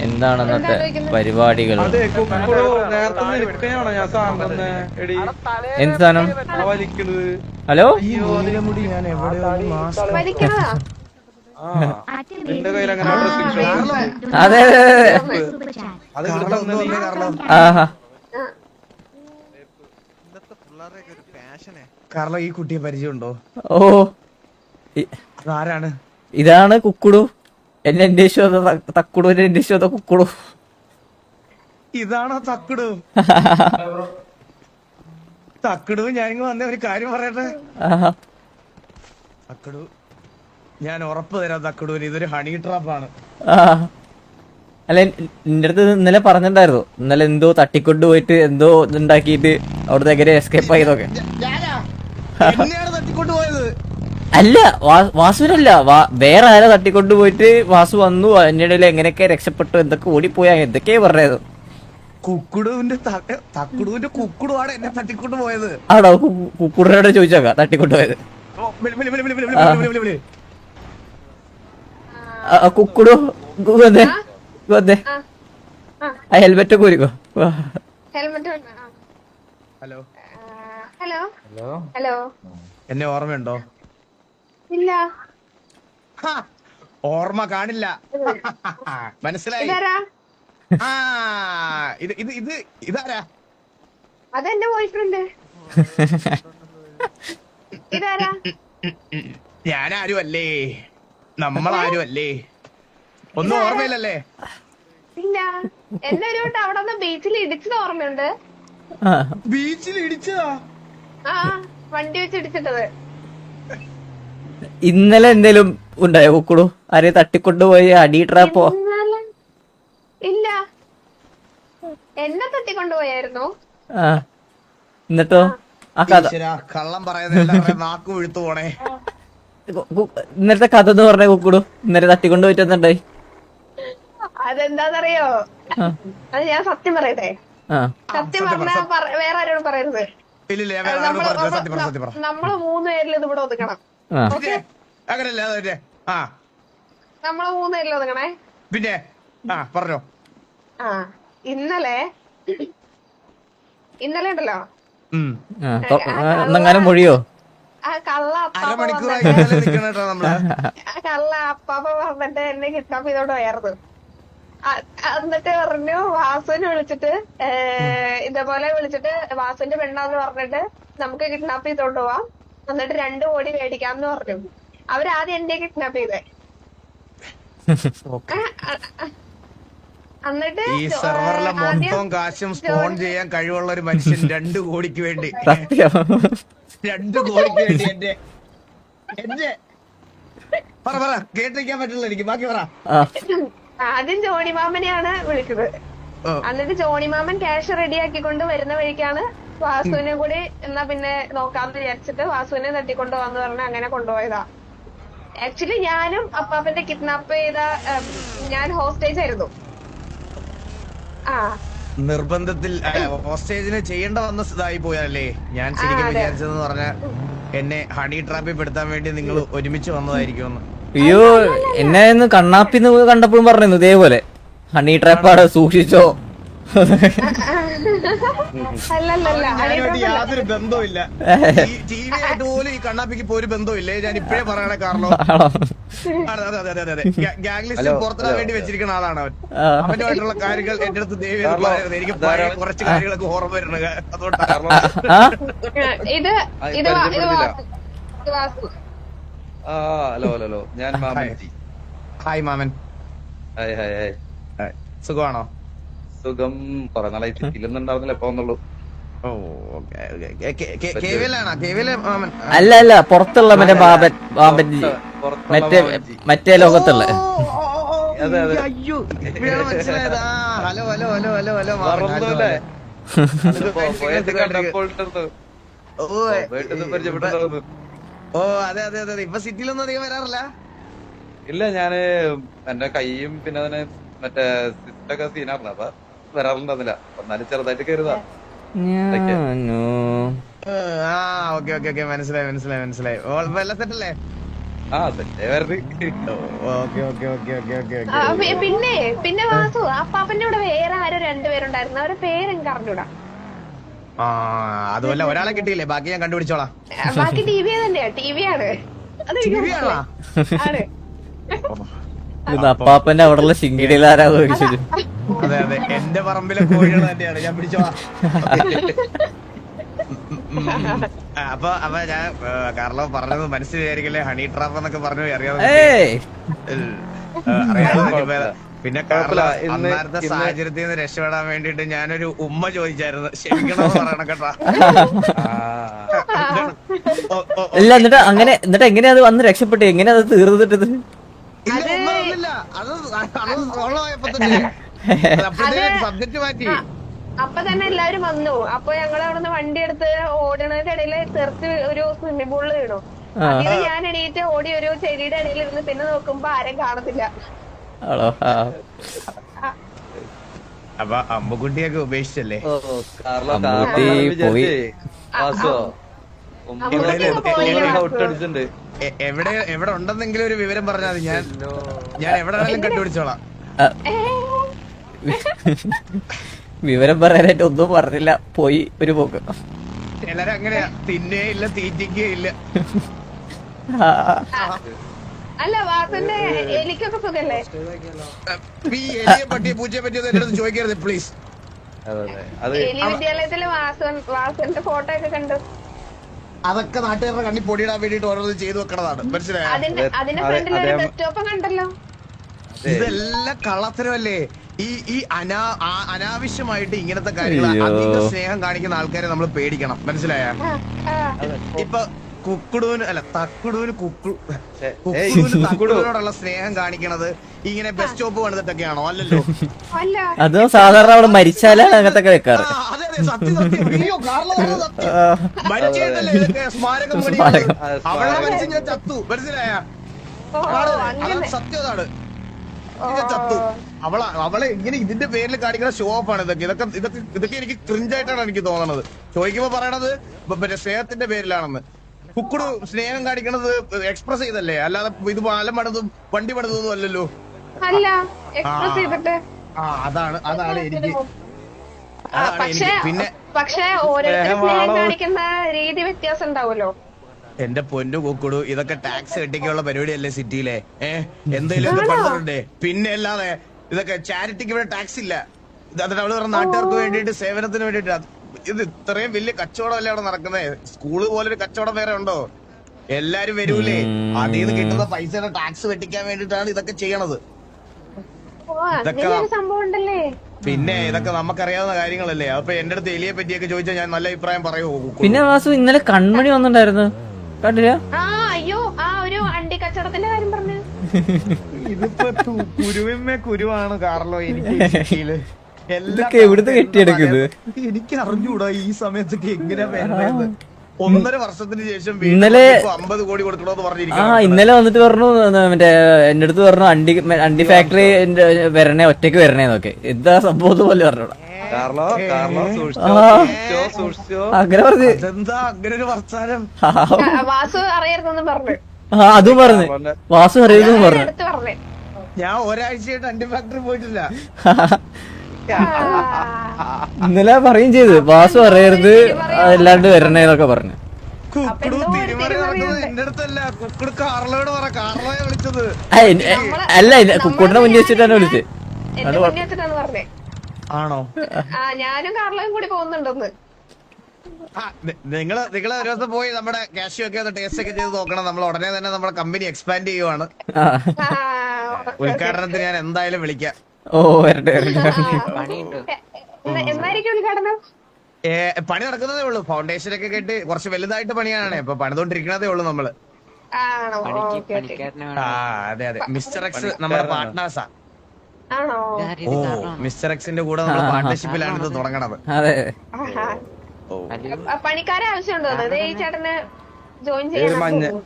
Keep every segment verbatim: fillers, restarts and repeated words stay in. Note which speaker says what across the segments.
Speaker 1: എന്താണ് ഇന്നത്തെ പരിപാടികൾ? എന്ത് സാധനം? ഹലോ, അതെ അതെ ആഹാ.
Speaker 2: കാർലോ, ഈ കുട്ടിയെ പരിചയമുണ്ടോ?
Speaker 1: ഓ,
Speaker 2: ആരാണ്?
Speaker 1: ഇതാണ് കുക്കുടു. എന്നെ അന്വേഷിച്ചോ തക്കുടു, എന്നെ അന്വേഷിച്ചോ കുക്കുടു.
Speaker 2: ഇതാണോ തക്കുടു? തക്കുടു, ഞാനിങ്ങ് വന്ന ഒരു കാര്യം പറയട്ടെ. തക്കുടു, ഞാൻ ഉറപ്പ് തരാം തക്കുടുവിന്, ഇതൊരു ഹണി ട്രാപ്പാണ്.
Speaker 1: അല്ല, നിന്റെ അടുത്ത് ഇന്നലെ പറഞ്ഞിട്ടുണ്ടായിരുന്നു, ഇന്നലെ എന്തോ തട്ടിക്കൊണ്ട് പോയിട്ട് എന്തോ ഇതുണ്ടാക്കിയിട്ട് അവിടുത്തെ എങ്ങനെ എസ്കേപ്പ് ആയതൊക്കെ.
Speaker 2: തട്ടിക്കൊണ്ട് പോയത്
Speaker 1: അല്ല, വാസുവിനല്ല, വേറെ ആരോ തട്ടിക്കൊണ്ട് പോയിട്ട് വാസു വന്നു, അതിനിടയിൽ എങ്ങനെയൊക്കെ രക്ഷപ്പെട്ടു, എന്തൊക്കെ ഓടിപ്പോയാ, എന്തൊക്കെയാ പറഞ്ഞത്.
Speaker 2: കുക്കുടുവിന്റെ തക്കുടുവിന്റെ കുക്കുടുവാണ് എന്നെ തട്ടിക്കൊണ്ട് പോയത്.
Speaker 1: ആണോ? കുക്കുടനോട് ചോദിച്ചോക്കാം തട്ടിക്കൊണ്ട് പോയത്. കുക്കുടു വന്നേ വന്നേ, ആ ഹെൽമെറ്റ് കൂരിക്കോ.
Speaker 2: ഹലോ
Speaker 3: ഹലോ ഹലോ,
Speaker 2: എന്നെ ഓർമ്മയുണ്ടോ?
Speaker 3: ഇല്ല.
Speaker 2: ഓർമ്മ കാണില്ല, മനസ്സിലായി. ആ, ഇത് ഇത് ഇത് ഇതാരാ?
Speaker 3: അതെന്റെ ബോയ്ഫ്രണ്ട്. ഇതാരാ?
Speaker 2: ഞാനാരും അല്ലേ, നമ്മളാരും അല്ലേ, ഒന്നും ഓർമ്മയില്ലല്ലേ?
Speaker 3: ഇല്ല, എന്നെ ഒരു വട്ടം അവിടെ നിന്ന് ബീച്ചിൽ ഇടിച്ചത് ഓർമ്മയുണ്ട്.
Speaker 2: ബീച്ചിൽ ഇടിച്ചതാ?
Speaker 3: ആ, വണ്ടി വെച്ച് ഇടിച്ചിട്ടത്.
Speaker 1: ഇന്നലെ എന്തേലും ഉണ്ടായോ കുക്കുടു? ആരെ തട്ടിക്കൊണ്ടുപോയി അടി ട്രാപ്പോ?
Speaker 3: ഇല്ല, എന്നെ തട്ടിക്കൊണ്ടുപോയായിരുന്നു.
Speaker 1: ആ, എന്നിട്ടോ? ആ കഥ
Speaker 2: കള്ളം പറയുന്നത് നാക്ക് വീഴ്ത്തു പോണേ.
Speaker 1: ഇന്നലത്തെ കഥ എന്ന് പറഞ്ഞ കുക്കുടു, ഇന്നലെ തട്ടിക്കൊണ്ട് പോയിട്ടുണ്ടായി.
Speaker 3: അതെന്താന്നറിയോ? അത് ഞാൻ സത്യം പറയട്ടെ. സത്യം പറഞ്ഞാ വേറെ ആരോടും പറയരുത്. നമ്മള് മൂന്ന് പേരിൽ ഇത് ഇവിടെ ഒതുക്കണം. നമ്മള് മൂന്ന് പേരിൽ ഒതുക്കണേ.
Speaker 2: പിന്നെ പറഞ്ഞോ.
Speaker 3: ആ, ഇന്നലെ ഇന്നലെ ഉണ്ടല്ലോ,
Speaker 1: ഒന്നെങ്ങാനും മൊഴിയോ?
Speaker 3: ആ കള്ള
Speaker 2: അരമണിക്കൂർ
Speaker 3: കള്ള അപ്പാപ്പ പറഞ്ഞിട്ട് എന്നെ കിഡ്നാപ്പ് ചെയ്തോണ്ട് പോയായിരുന്നു. എന്നിട്ട് പറഞ്ഞു വാസുവിനെ വിളിച്ചിട്ട് ഇതേപോലെ വിളിച്ചിട്ട് വാസുവിന്റെ പെണ്ണാന്ന് പറഞ്ഞിട്ട് നമുക്ക് കിഡ്നാപ്പ് ചെയ്തോണ്ട് പോവാം, എന്നിട്ട് രണ്ടു കോടി മേടിക്കാന്ന് പറഞ്ഞു. അവരാദ്യം എന്നെ കിഡ്നാപ്പ് ചെയ്തേ. എന്നിട്ട്
Speaker 2: ഈ സെർവറിലെ മൊത്തം കാശും സ്പോൺ ചെയ്യാൻ കഴിവുള്ള ഒരു മനുഷ്യൻ രണ്ടു കോടിക്ക് വേണ്ടി രണ്ടു കോടിക്ക് വേണ്ടി എന്റെ എന്റെ പറ പറ കേട്ടിരിക്കാൻ പറ്റില്ല എനിക്ക്, ബാക്കി പറ.
Speaker 3: ആദ്യം ജോണിമാമനെയാണ് വിളിച്ചത്. എന്നിട്ട് ജോണിമാമൻ ക്യാഷ് റെഡിയാക്കിക്കൊണ്ട് വരുന്ന വഴിക്കാണ് വാസുവിനെ കൂടി എന്നാ പിന്നെ നോക്കാന്ന് വിചാരിച്ചിട്ട് വാസുവിനെ തട്ടിക്കൊണ്ടു വന്ന് പറഞ്ഞ് അങ്ങനെ കൊണ്ടുപോയതാ. ആക്ച്വലി ഞാനും അപ്പാപ്പന്റെ കിഡ്നാപ്പ് ചെയ്ത ഞാൻ ഹോസ്റ്റേജ് ആയിരുന്നു. ആ,
Speaker 2: നിർബന്ധത്തിൽ ഹോസ്റ്റേജിന് ചെയ്യേണ്ട വന്ന ഇതായി പോയല്ലേ. ഞാൻ ശരിക്കും വിചാരിച്ചതെന്ന് പറഞ്ഞ എന്നെ ഹണി ട്രാപ്പിൽ പെടുത്താൻ വേണ്ടി നിങ്ങൾ ഒരുമിച്ച് വന്നതായിരിക്കും.
Speaker 1: അയ്യോ, എന്നെ ഇന്ന് കണ്ണാപ്പിന്ന് കണ്ടപ്പോഴും പറഞ്ഞു ഇതേപോലെ ഹണി ട്രാപ്പാണ്, സൂക്ഷിച്ചോ.
Speaker 2: യാതൊരു ബന്ധവുമില്ല, ടിവിയായിട്ട് പോലും ഈ കണ്ണാപ്പിക്ക് ഇപ്പൊ ഒരു ബന്ധവുമില്ലേ. ഞാൻ ഇപ്പഴേ പറയണേ കാർലോ. അതെ അതെ അതെ അതെ ഗ്യാങ് ലിസ്റ്റ് പുറത്തിടാൻ വേണ്ടി വെച്ചിരിക്കുന്ന ആളാണ് അവൻ. അവനുമായിട്ടുള്ള കാര്യങ്ങൾ എന്റെ അടുത്ത് ദയവ് പറയരുത്, എനിക്ക് പഴയ കുറച്ച് കാര്യങ്ങളൊക്കെ ഓർമ്മ വരുന്നത്. അതുകൊണ്ടാണ്.
Speaker 4: ഹലോ ഹലോ, ഞാൻ മാമൻ.
Speaker 2: ഹായ് മാമൻ.
Speaker 4: Hi hi hi.
Speaker 2: സുഖമാണോ?
Speaker 4: സുഖം. കുറെ നാളായി സിറ്റിയിലൊന്നുണ്ടാവുന്നില്ല, എപ്പോ വന്നുള്ളൂ.
Speaker 1: അല്ല അല്ല, പുറത്തുള്ള മറ്റേ ബാബൻ ബാബൻ മറ്റേ മറ്റേ ലോകത്തുള്ള.
Speaker 2: Hello hello hello hello hello. ഓ അതെ അതെ അതെ. ഇപ്പൊ സിറ്റിയിലൊന്നും അധികം വരാറില്ല.
Speaker 4: ഇല്ല, ഞാന് എന്റെ കൈയും പിന്നെ അതിന് മറ്റേ സിസ്റ്റൊക്കെ സീനായിരുന്നു, അപ്പൊ വരാറുണ്ടായിരുന്നില്ല. എന്നാലും ചെറുതായിട്ട് കയറുതാ.
Speaker 2: മനസ്സിലായി മനസ്സിലായി മനസ്സിലായി. എല്ലാം സെറ്റല്ലേ?
Speaker 3: പിന്നെ പിന്നെ വാസു, ആ പേരുണ്ടായിരുന്നു. അവരുടെ പേര് എനിക്ക് അറിഞ്ഞൂടാ.
Speaker 2: ആ അതുമല്ല ഒരാളെ കിട്ടിയില്ലേ, ബാക്കി ഞാൻ കണ്ടുപിടിച്ചോളാം.
Speaker 3: ബാക്കി ടി വി തന്നെയാ, ടി വി ആണ് അത്
Speaker 2: ടി വി ആണോ?
Speaker 3: ആണ്.
Speaker 1: ഇത് അപ്പാപ്പന്റെ അവിടെയുള്ള ശിങ്കിടിയിലാരാ ചോദിച്ചത്.
Speaker 2: അതെ അതെ, എന്റെ പറമ്പിലെ കോഴികൾ തന്നെയാണ്, ഞാൻ പിടിച്ചോളാം. അപ്പൊ അപ്പൊ ഞാൻ കാർലോ പറഞ്ഞത് മനസ്സിൽ വിചാരിക്കല്ലേ, ഹണി ട്രാപ്പ് എന്നൊക്കെ പറഞ്ഞു അറിയാതെ
Speaker 1: ഏയ്
Speaker 2: അറിയാതെ. പിന്നെ കാർലോ അന്നേരത്തെ സാഹചര്യത്തിൽ നിന്ന് രക്ഷപ്പെടാൻ വേണ്ടിട്ട് ഞാനൊരു ഉമ്മ ചോദിച്ചായിരുന്നു, ക്ഷമിക്കണമെന്ന് പറയണം കേട്ടാ.
Speaker 1: ഇല്ല, എന്നിട്ട് അങ്ങനെ എന്നിട്ട് എങ്ങനെയാ അത് വന്ന് രക്ഷപ്പെട്ടു, എങ്ങനെയാ അത് തീർന്നിട്ടത്?
Speaker 2: ഇല്ല, ഒന്നും അറിഞ്ഞില്ല. അത് അത് സോളായപ്പോ തന്നെ സബ്ജക്ട് മാറ്റി.
Speaker 3: അപ്പൊ തന്നെ എല്ലാരും വന്നു. അപ്പൊ ഞങ്ങൾ അവിടുന്ന് വണ്ടി എടുത്ത് ഓടണതിന്റെ ഇടയില് തെറിച്ച് ഒരു സ്വിമ്മിംഗ് പൂളിൽ വീണു. അതിന് ഞാൻ എണീറ്റ് ഓടി ഒരു ചെടിയുടെ ഇടയിൽ ഇരുന്ന് പിന്നെ നോക്കുമ്പോ ആരും കാണത്തില്ല.
Speaker 1: ആണോ?
Speaker 2: അപ്പൊ അമ്മുക്കുട്ടിയൊക്കെ ഉപേക്ഷിച്ചല്ലേ?
Speaker 1: അമ്മൂട്ടി പോയി.
Speaker 4: ഔട്ടടിച്ചിട്ടുണ്ട്.
Speaker 2: എവിടെ എവിടെ ഉണ്ടെന്നെങ്കിലും ഒരു വിവരം പറഞ്ഞാൽ മതി, ഞാൻ ഞാൻ എവിടെ വേണമെങ്കിലും കണ്ടുപിടിച്ചോളാം.
Speaker 1: വിവരം പറയാനായിട്ട് ഒന്നും പറഞ്ഞില്ല, പോയി ഒരു പോക്ക്.
Speaker 2: ചിലര് അങ്ങനെയാ, തിന്നേ ഇല്ല തീറ്റിക്കേ ഇല്ല.
Speaker 3: അല്ല വാസന്റെ എലിക്കൊക്കെ സുഖല്ലേ?
Speaker 2: ഈ എലിയെ പറ്റിയ പൂച്ചയെ പറ്റിയൊന്നും എന്റെ അടുത്ത് ചോദിക്കരുത് പ്ലീസ്.
Speaker 3: എലി വിദ്യാലയത്തില് വാസൻ വാസന്റെ ഫോട്ടോ ഒക്കെ കണ്ടു.
Speaker 2: അതൊക്കെ നാട്ടുകാരുടെ കണ്ണി പൊടിയിടാൻ വേണ്ടിട്ട് ഓരോന്നും ചെയ്തു വെക്കണതാണ്, മനസ്സിലായോ?
Speaker 3: അതിന്റെ അതിന്റെ ഫ്രണ്ടിൽ ഒരു ഡെസ്ക്ടോപ്പ് കണ്ടല്ലോ.
Speaker 2: ഇതെല്ലാം കള്ളത്തരമല്ലേ? ഈ ഈ അനാ അനാവശ്യമായിട്ട് ഇങ്ങനത്തെ കാര്യങ്ങൾ അധിക സ്നേഹം കാണിക്കുന്ന ആൾക്കാരെ നമ്മൾ പേടിക്കണം, മനസ്സിലായ? ഇപ്പൊ കുക്കുടൂന് അല്ല തക്കുടൂന് കുക്കു കുക്കുടൂന് തക്കുടൂനോടുള്ള സ്നേഹം കാണിക്കണത് ഇങ്ങനെ ബസ് സ്റ്റോപ്പ് പണിതിട്ടൊക്കെയാണോ? അല്ലല്ലോ.
Speaker 1: അത് സാധാരണ അവിടെ മരിച്ചാലാണ് അങ്ങനത്തൊക്കെ വെക്കാറ്.
Speaker 2: അതെ അതെ, സത്യം സത്യം. അയ്യോ, കാർലോ പറഞ്ഞത് സത്യം. മരിച്ചതല്ലേ ഇതൊക്കെ സ്മാരകം പണി. അവളെ മരിച്ച് ഞാൻ ചത്തു, മനസ്സിലായ? സത്യം അതാണ്, ചത്തു. അവള അവളെ ഇങ്ങനെ ഇതിന്റെ പേരിൽ കാണിക്കുന്ന ഷോ ഓഫ് ആണ് ഇതൊക്കെ. ഇതൊക്കെ ഇതൊക്കെ ഇതൊക്കെ എനിക്ക് ക്രിഞ്ചായിട്ടാണ് എനിക്ക് തോന്നണത്. ചോദിക്കുമ്പോ പറയണത് മറ്റേ സ്നേഹത്തിന്റെ പേരിലാണെന്ന്. കുക്കുടു സ്നേഹം കാണിക്കണത് എക്സ്പ്രസ് ചെയ്തല്ലേ, അല്ലാതെ ഇത് പാലം പണിതും വണ്ടി പണിതൊന്നും അല്ലല്ലോ. ആ അതാണ് അതാണ് എനിക്ക് അതാണ് എനിക്ക്. പിന്നെ
Speaker 3: പക്ഷേ ഓരോരുത്തരും സ്നേഹം കാണിക്കുന്ന രീതി വ്യത്യാസം ഉണ്ടാവുമല്ലോ.
Speaker 2: എന്റെ പൊന്നു കുക്കുടു, ഇതൊക്കെ ടാക്സ് കെട്ടിക്കുള്ള പരിപാടിയല്ലേ സിറ്റിയിലെ? ഏഹ് എന്തെങ്കിലും ഒക്കെ പണിതുണ്ടേ? പിന്നെ അല്ലാതെ ഇതൊക്കെ ചാരിറ്റിക്ക് ഇവിടെ ടാക്സ് ഇല്ല. അതിന് അവള് പറഞ്ഞ നാട്ടുകാർക്ക് വേണ്ടിയിട്ട് സേവനത്തിന് വേണ്ടിട്ട് ഇത് ഇത്രയും വലിയ കച്ചവടം അല്ലേ അവിടെ നടക്കുന്നത്? സ്കൂള് പോലൊരു കച്ചവടം വേറെ ഉണ്ടോ? എല്ലാരും വരൂലേ, അതിൽ നിന്ന് കിട്ടുന്ന പൈസയുടെ ടാക്സ് വെട്ടിക്കാൻ വേണ്ടിട്ടാണ് ഇതൊക്കെ ചെയ്യണത്. ഇതൊക്കെ പിന്നെ ഇതൊക്കെ നമുക്കറിയാവുന്ന കാര്യങ്ങളല്ലേ. അപ്പൊ എന്റെ അടുത്ത് എലിയെ പറ്റിയൊക്കെ ചോദിച്ചാൽ ഞാൻ നല്ല അഭിപ്രായം പറയുമോ?
Speaker 1: പിന്നെ വാസു ഇന്നലെ കൺമണി വന്നിട്ടുണ്ടായിരുന്നു, കണ്ടില്ല?
Speaker 3: അയ്യോ, ആ ഒരു അണ്ടി കച്ചവടത്തിന്റെ കാര്യം പറഞ്ഞു.
Speaker 2: ഇതിപ്പോ കുരുവിന്മേ കുരുവാണ് കാർലോ. എനിക്ക്
Speaker 1: ഇതൊക്കെ എവിടുന്ന് കെട്ടിയെടുക്കുന്നത്
Speaker 2: എനിക്ക് അറിഞ്ഞൂടാ ഈ സമയത്തൊക്കെ എങ്ങനെയാ വേണ്ടത്. ഒന്നര വർഷത്തിന് ശേഷം
Speaker 1: ഇന്നലെ
Speaker 2: അമ്പത് കോടി കൊടുക്കണോന്ന്
Speaker 1: ആ
Speaker 2: പറഞ്ഞിരിക്കും.
Speaker 1: ഇന്നലെ വന്നിട്ട് പറഞ്ഞു, മറ്റേ എന്റെ അടുത്ത് പറഞ്ഞു അണ്ടി അണ്ടി ഫാക്ടറി വരണേ, ഒറ്റയ്ക്ക് വരണേന്നൊക്കെ. എന്താ സംഭവം പോലെ പറഞ്ഞോടാ. അങ്ങനെ പറഞ്ഞു.
Speaker 2: എന്താ അങ്ങനെ ഒരു വർത്താനം?
Speaker 3: വാസു അറിയരുതെന്നും പറഞ്ഞു.
Speaker 1: ആ അതും പറഞ്ഞു, വാസു അറിയരുതെന്ന് പറഞ്ഞു.
Speaker 2: ഞാൻ ഒരാഴ്ചയായിട്ട് അണ്ടി ഫാക്ടറി പോയിട്ടില്ല.
Speaker 1: ഇന്നലെ പറയും ചെയ്തു, വാസു അറിയരുത് അല്ലാണ്ട് വരണേന്നൊക്കെ പറഞ്ഞു.
Speaker 2: കുക്കുടു തിരുമറി നടക്കുന്നത് എന്റെ അടുത്തല്ല, കുക്കുടു കാർലോയോട് പറ. കാർലോയെ വിളിച്ചത്
Speaker 1: അല്ല, കുക്കുടിനെ മുന്നിൽ വെച്ചിട്ടാണ് വിളിച്ചത്.
Speaker 2: ആണോ?
Speaker 3: ഞാനും കാർലോയും കൂടി പോകുന്നുണ്ടെന്ന്.
Speaker 2: നിങ്ങള് നിങ്ങള് ഒരു ദിവസം പോയി നമ്മുടെ കാഷ്യൂ ഒക്കെ ടേസ്റ്റ് ഒക്കെ ചെയ്ത് നോക്കണം. നമ്മൾ ഉടനെ തന്നെ നമ്മുടെ കമ്പനി എക്സ്പാൻഡ് ചെയ്യുവാണ്. ഉദ്ഘാടനത്തിന് ഞാൻ എന്തായാലും വിളിക്കാം.
Speaker 1: ഓ വരട്ടെ.
Speaker 3: എന്നായിരിക്കും ഉദ്ഘാടനം?
Speaker 2: പണി നടക്കുന്നതേ ഉള്ളൂ. ഫൗണ്ടേഷൻ ഒക്കെ കേട്ട് കുറച്ച് വലുതായിട്ട് പണിയാണ് ഇപ്പൊ, പണിതോണ്ടിരിക്കണതേ ഉള്ളൂ നമ്മള്. ആ അതെ അതെ, മിസ്റ്റർ എക്സ് നമ്മുടെ പാർട്ട്നേഴ്സാ. ഓ മിസ്റ്റർ എക്സിന്റെ കൂടെ നമ്മൾ പാർട്ട്ണർഷിപ്പിലാണ് ഇത് തുടങ്ങണത്.
Speaker 1: അതെ,
Speaker 3: പണിക്കാരെ ആവശ്യമുണ്ടോ? ഈ ചേട്ടന് ജോയിൻ ചെയ്യാൻ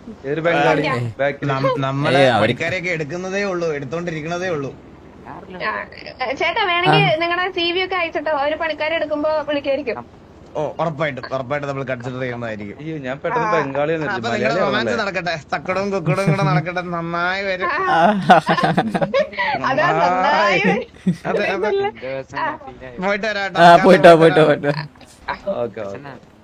Speaker 2: നമ്മള് പണിക്കാരെയൊക്കെ എടുക്കുന്നതേ ഉള്ളൂ, എടുത്തോണ്ടിരിക്കണതേ ഉള്ളൂ.
Speaker 3: ചേട്ടാ വേണമെങ്കിൽ നിങ്ങളുടെ സി വി ഒക്കെ അയച്ചിട്ടോ, ഒരു പണിക്കാരെ എടുക്കുമ്പോ വിളിക്കായിരിക്കും.
Speaker 2: ഓ ഉറപ്പായിട്ടും ഉറപ്പായിട്ടും നമ്മൾ കൺസിഡർ ചെയ്യുന്നതായിരിക്കും.
Speaker 4: അയ്യോ ഞാൻ പെട്ടെന്ന് ബംഗാളി
Speaker 2: അപ്പൊ നിങ്ങളുടെ റൊമാൻസ് നടക്കട്ടെ, തക്കടും കുക്കടും കൂടെ നടക്കട്ടെ, നന്നായി വരും.
Speaker 3: അതാ നന്നായി
Speaker 2: അതെ അതെ പോയിട്ട് വരാട്ടോ.
Speaker 1: ആ പോയിട്ടോ പോയിട്ടോ പോയിട്ടോ
Speaker 4: ഓക്കെ ഓക്കെ